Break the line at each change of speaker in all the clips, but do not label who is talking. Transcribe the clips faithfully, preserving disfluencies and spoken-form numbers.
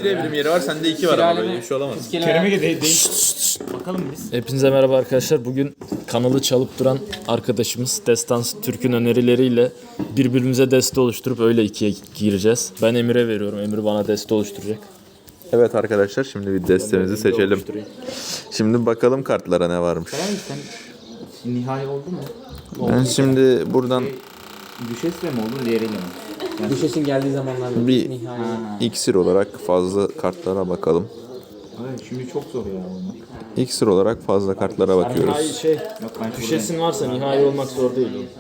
bir evrim yeri var, sende iki var ama böyle bir şey olamaz.
Kerem'e de değil. Bakalım biz.
Hepinize merhaba arkadaşlar. Bugün kanalı çalıp duran arkadaşımız Destansı Türk'ün önerileriyle birbirimize deste oluşturup öyle ikiye gireceğiz. Ben Emir'e veriyorum. Emir bana deste oluşturacak.
Evet arkadaşlar, şimdi bir destemizi seçelim. Şimdi bakalım kartlara ne varmış.
Sen nihai oldu mu?
Ben şimdi buradan
Düşesle mi oldu, diğeriyle mi?
Yani Düşesin geldiği zamanlarda
bir
nihai.
iksir olarak fazla kartlara bakalım.
Evet, şimdi çok zor ya bunu.
İksir olarak fazla kartlara
Nihai
bakıyoruz.
şey,
Yok, ben
düşesin varsa nihai olmak zor değil oğlum.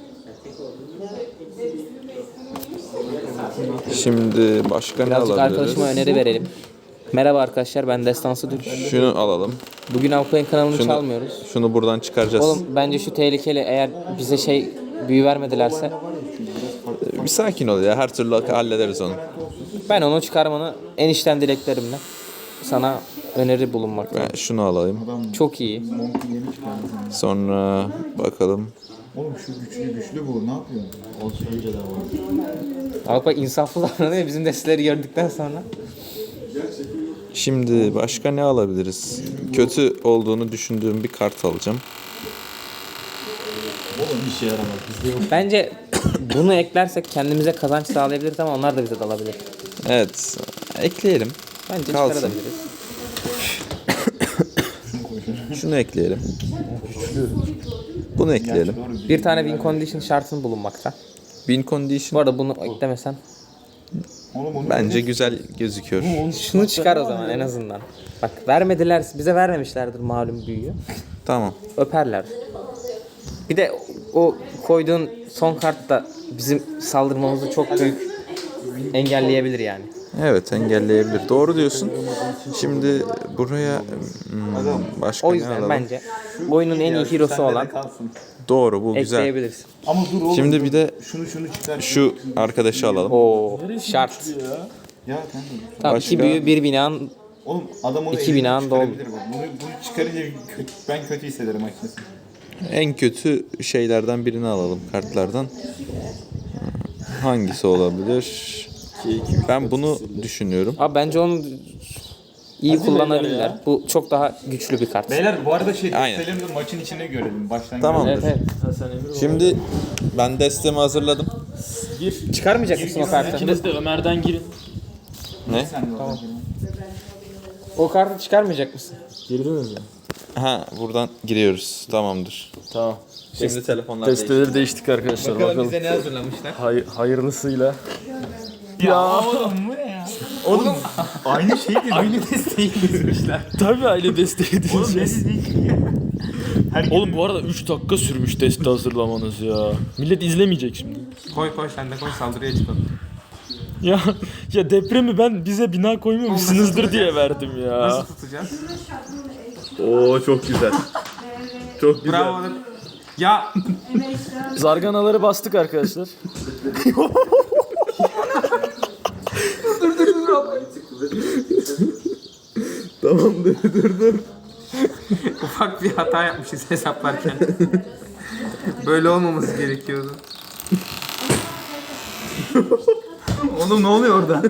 Şimdi başka ne
Birazcık
alabiliriz?
arkadaşıma öneri verelim. Merhaba arkadaşlar, ben Destansı Türk.
Şunu alalım.
Bugün Alpay'ın kanalını
Şunu,
çalmıyoruz.
şunu buradan çıkaracağız.
Oğlum bence şu tehlikeli, eğer bize şey büyü vermedilerse
Bir sakin ol ya, her türlü hallederiz onu.
ben onu çıkarmanı en içten dileklerimle sana öneri bulunmakta.
Ben şunu alayım.
Çok iyi.
Sonra bakalım.
Oğlum şu güçlü güçlü bu, ne yapıyorsun? Olsun önce de var.
Alpay insaflı davranıyor bizim desteleri gördükten sonra.
Şimdi başka ne alabiliriz? Kötü olduğunu düşündüğüm bir kart alacağım.
Oğlum bir şey yaramaz. Bizde yok.
Bence bunu eklersek kendimize kazanç sağlayabiliriz ama onlar da bize dalabilir.
Evet, ekleyelim.
Bence
Kalsın.
çıkarabiliriz.
Şunu ekleyelim. Bunu ekleyelim.
Bir tane win condition şartın bulunmakta.
Win
Bu
condition
arada bunu eklemesen
Oğlum onu
bence güzel gözüküyor.
şunu çıkar o zaman en azından. Bak vermediler, bize vermemişlerdir malum büyüyü.
Tamam.
Öperler. Bir de o koyduğun son kart da bizim saldırmamızı çok büyük engelleyebilir yani.
Evet, engelleyebilir. Doğru diyorsun. Şimdi buraya hmm, başka
O
ne
yüzden
alalım?
bence oyunun en iyi hero'su olan
Doğru, bu güzel.
ekleyebilirsin.
Ama dur oğlum.
Şimdi
dur.
bir de
şunu şunu çıkar.
şu arkadaşı alalım.
O şart.
Ya kanka.
Tamam,
Başka?
iki büyü bir binanın
Oğlum adam onu
İki
elinden
binanın
çıkarabilir bu. Bunu, bunu çıkarınca kötü, ben kötü hissederim açıkçası.
En kötü şeylerden birini alalım kartlardan. Hangisi olabilir? Ben bunu düşünüyorum.
abi bence onu iyi kullanabilirler. Bu çok daha güçlü bir kart.
Beyler bu arada şey
Aynen.
destelerimizi maçın içinde görelim. Baştan
Tamamdır.
Evet, evet.
Hasan Emir
Şimdi ben destemi hazırladım.
gir.
Çıkarmayacak mısın o kartı?
İkiniz de Ömer'den girin.
Ne?
Tamam.
O kartı çıkarmayacak mısın?
Girdiniz mi?
Ha, buradan giriyoruz. Tamamdır.
Tamam.
Şimdi telefonlar
Desteleri değiştik arkadaşlar. Bakalım.
ne hazırlamışlar?
Hay- hayırlısıyla.
Ya oğlum bu ne ya? Oğlum aynı şey değil. Aynı desteği dizmişler.
Tabii aile desteği
Oğlum ne
diyeceğiz.
dizdik? Herkes...
Oğlum bu arada üç dakika sürmüş deste hazırlamanız ya. Millet izlemeyecek şimdi.
Koy koy sen de koy, saldırıya çıkalım.
Ya ya depremi ben bize bina koymamışsınızdır diye verdim ya.
Nasıl tutacağız?
Oo, çok güzel. Çok güzel.
Bravo. Ya
Zarganaları bastık arkadaşlar.
Tamamdır, dur dur.
ufak bir hata yapmışız hesaplarken. Böyle olmaması gerekiyordu.
Oğlum ne oluyor orada?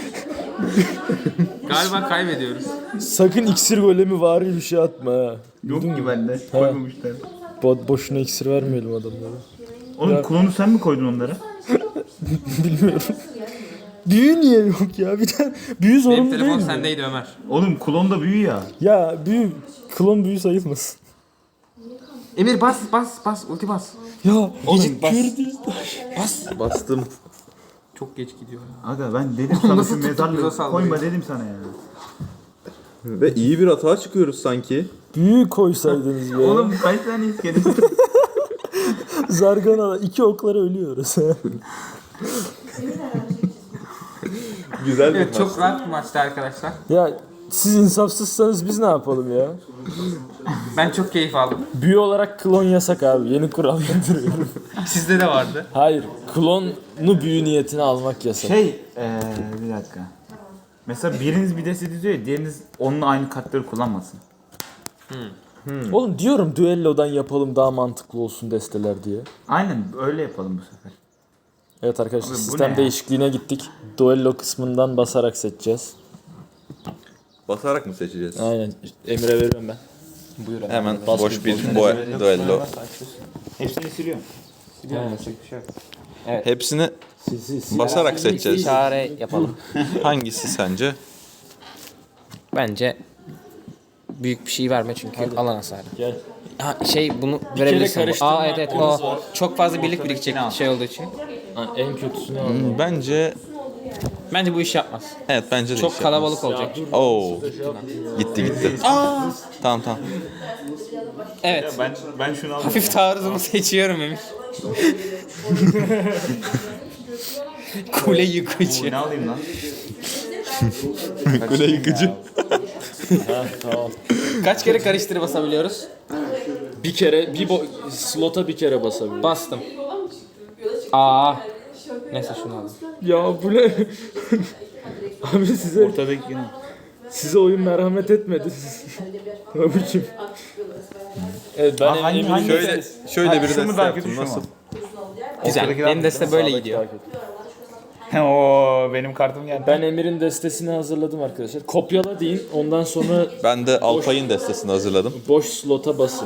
Galiba kaybediyoruz.
Sakın iksir golemi vari bir şey atma ha.
Yok ki bende. Koymamışlar.
Bo- boşuna iksir vermeyelim adamlara.
Oğlum klonu sen mi koydun onlara?
Bilmiyorum. Büyü niye yok ya? Bir tane büyü zorunlu
Benim
değil
telefon
mi?
sendeydi Ömer.
Oğlum klon da büyü ya.
Ya büyü, klon büyü sayılmasın.
Emir bas bas bas ulti bas.
Ya
Gecik bas.
Bas. Bastım.
Çok geç gidiyor.
Aga ben dedim sana
Nasıl
şu
tuttuk biz o
mezarlığı
saldırıyı?
koyma dedim sana ya.
Ve iyi bir hata çıkıyoruz sanki.
büyü koysaydınız be.
Oğlum kaç tane iskelet?
Zargana iki oklara ölüyoruz.
Güzel bir
Evet, çok rahat bir maçtı arkadaşlar.
Ya siz insafsızsanız biz ne yapalım ya?
Ben çok keyif aldım.
Büyü olarak klon yasak abi. Yeni kural getiriyorum.
Sizde de vardı.
Hayır. Klonu büyü niyetine almak yasak.
Şey eee bir dakika. Mesela biriniz bir deste diziyor ya, diğeriniz onunla aynı kartları kullanmasın.
Oğlum diyorum düellodan yapalım daha mantıklı olsun desteler diye.
Aynen öyle yapalım bu sefer.
Evet arkadaşlar
Abi bu ne
sistem
ya?
değişikliğine gittik. Duello kısmından basarak seçeceğiz.
Basarak mı seçeceğiz?
Aynen. Emre veriyorum ben.
Buyur abi.
Hemen
Bas
boş
bir
bir boy duello.
Hepsini siliyorum.
Yani.
Hepsini
Sil, sil, sil.
basarak seçeceğiz.
Çare yapalım.
Hangisi sence?
Bence büyük bir şey verme çünkü alan hasarı.
Gel.
Ha, şey bunu verebilirsin.
karıştırma
Aa evet evet
hakkımız
o
var.
çok fazla birlik birikecek şey olduğu için.
Ha, en kötüsünü al.
Hmm, Bence
Bence bu iş yapmaz.
evet bence de
Çok
iş
kalabalık
yapmaz.
olacak.
Oo. Gitti gitti. Tamam tamam.
Evet.
Ben ben şunu aldım.
Hafif taarruzumu seçiyorum Emir. Kule yıkıcı.
Ne alayım lan?
Kule yıkıcı.
Ha, tamam.
Kaç kere karıştırı basabiliyoruz?
Bir kere, bir bo- slota bir kere basabilirim.
Bastım. Aa. Neyse şunu alayım.
Ya bu ne? Abi size
Ortadaki yine.
size oyun merhamet etmedi. Abiciğim. Evet ben
Aa, hangi-
Emir'in
hangi-
Şöyle şöyle bir
Şu mu
deste
daha
yaptım.
kötü, şu mu?
Nasıl?
Güzel.
Ortadaki
Benim
daha-
deste böyle gidiyor.
Oo benim kartım geldi.
Ben Emir'in destesini hazırladım arkadaşlar. Kopyala deyin. Ondan sonra
Ben de Alpay'ın destesini hazırladım.
boş slota basın.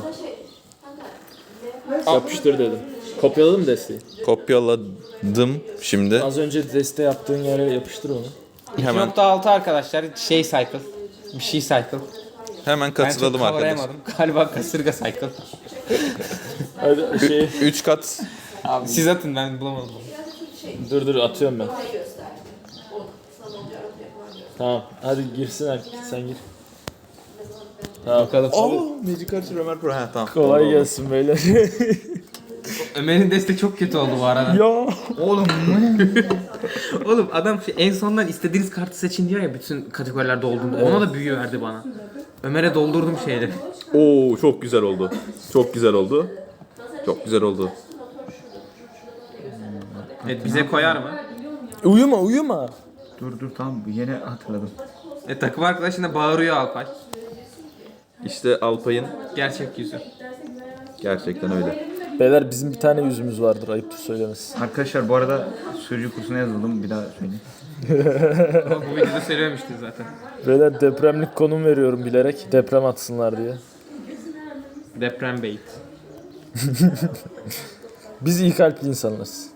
Yapıştır dedim. Kopyaladım mı desteği?
Kopyaladım şimdi.
Az önce deste yaptığın yere yapıştır onu.
Hemen
iki nokta altı arkadaşlar şey cycle. Bir şey cycle.
hemen
Ben çok
katılalım arkadaşlar.
kavrayamadım. Galiba kasırga cycle.
Hadi şey
Üç kat.
Abi siz atın ben bulamadım.
dur dur atıyorum ben. Tamam hadi girsin artık sen gir. Tamam.
Bakalım.
Oo, Magic Archer Ömer Pro. Ha tamam.
Kolay gelsin beyler.
Ömer'in deste çok kötü oldu bu arada.
ya.
Oğlum Oğlum adam şey, en sondan istediğiniz kartı seçin diyor ya bütün kategorilerde olduğunda. Ona da büyü verdi bana. Ömer'e doldurdum şeyleri.
Oo çok güzel oldu. Çok güzel oldu. Çok güzel oldu.
Evet bize koyar mı?
Uyuma uyuma.
Dur dur tamam yeni hatırladım.
E takım arkadaşına bağırıyor Alpay.
İşte Alpay'ın
Gerçek yüzü.
gerçekten öyle.
Beyler bizim bir tane yüzümüz vardır ayıptır söylemesi.
Arkadaşlar bu arada sürücü kursuna yazıldım. Bir daha söyleyeyim.
Ama bu videoda söylememiştin zaten.
Beyler depremlik konum veriyorum bilerek deprem atsınlar diye.
Deprem bait.
Biz iyi kalpli insanlarız.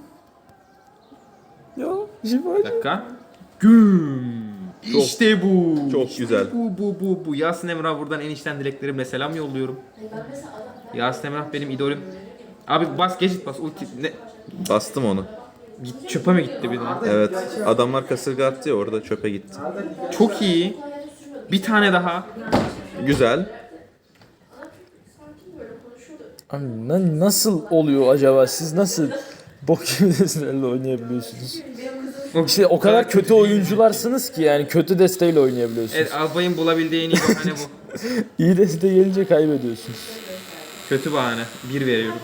Ya
Bir
Jivaj.
dakika. Güm. İşte bu.
Çok güzel.
Bu bu bu bu. Yasin Emrah buradan en içten dileklerimle selam yolluyorum. Yasin Emrah benim idolüm. Abi bas geçit bas ulti ne?
Bastım onu.
Git çöpe mi gitti bir daha?
Evet. Adamlar kasırga attı ya orada çöpe gitti.
Çok iyi. Bir tane daha.
Güzel.
Abi na- nasıl oluyor acaba siz nasıl bok gibi destelerle oynayabiliyorsunuz? İşte o kadar kötü oyuncularsınız ki yani kötü desteğiyle oynayabiliyorsunuz.
Evet Albay'ın bulabildiği en iyi bahane bu.
İyi deste gelince kaybediyorsunuz.
Kötü bahane. Bir veriyorum.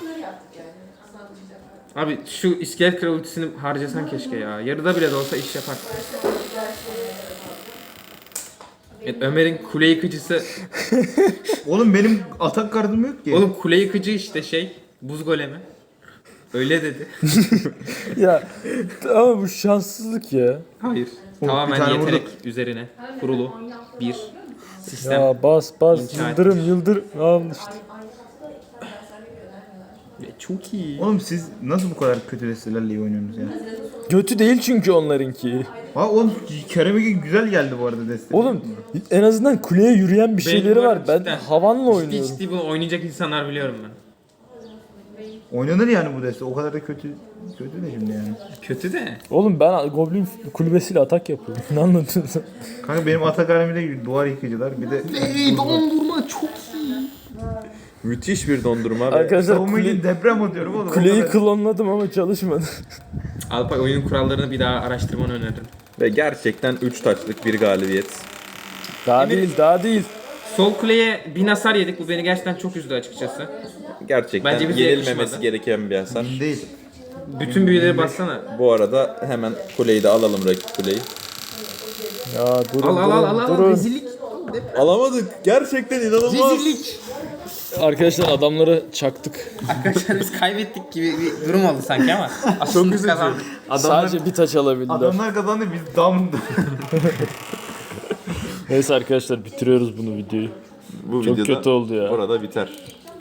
Abi şu iskelet kral ultisini harcasan keşke ya. Yarıda bile de olsa iş yapar. Evet, Ömer'in kule yıkıcısı.
Oğlum benim atak kartım yok ki.
Oğlum kule yıkıcı işte şey. Buz golemi. Öyle dedi.
Ya ama bu şanssızlık ya.
Hayır.
bir
Tamamen
tane
yetenek
vurduk.
üzerine kurulu bir sistem.
Ya bas bas
İnşa
yıldırım yıldırım. Al işte.
Ve Çok iyi.
Oğlum siz nasıl bu kadar kötü destelerle iyi oynuyorsunuz ya?
Kötü değil çünkü onlarınki.
Ha oğlum Kerem'e güzel geldi bu arada deste.
Oğlum en azından kuleye yürüyen bir
Benim
şeyleri
var,
var. Ben
cidden.
havanla
Ciddi
oynuyorum.
ciddi bunu oynayacak insanlar biliyorum ben.
Oynanır yani bu deste. O kadar da kötü kötü de şimdi yani.
Kötü de.
Oğlum ben Goblin kulübesiyle atak yapıyorum. Ne anlatıyorsun sen?
Kanka benim atak halimde duvar yıkıcılar bir de
Ey dondurma çok iyi.
Müthiş bir dondurma ve
Arkadaşlar
savunma
kule,
için deprem atıyorum oğlum. O
kuleyi
kadar-
klonladım ama çalışmadı.
Alpay oyunun kurallarını bir daha araştırmanı öneririm.
ve gerçekten üç taçlık bir galibiyet.
Daha değil daha değil.
Sol kuleye bin hasar yedik. Bu beni gerçekten çok üzdü açıkçası.
Gerçekten
Bence bize
yenilmemesi
yakışmadı.
gereken bir hasar.
Değil.
Bütün büyüleri bassana.
Bu arada hemen kuleyi de alalım rakip kuleyi.
Ya durun
Al al al al al
durun.
rezillik.
Alamadık. Gerçekten inanılmaz.
Rezillik.
Arkadaşlar adamları çaktık.
Arkadaşlar biz kaybettik gibi bir durum oldu sanki ama. Aslında biz kazandık.
Sadece bir taç alabildiler.
Adamlar kazandı biz dam.
Neyse arkadaşlar bitiriyoruz bunu videoyu.
Bu
Çok
videoda
kötü oldu ya.
Burada biter.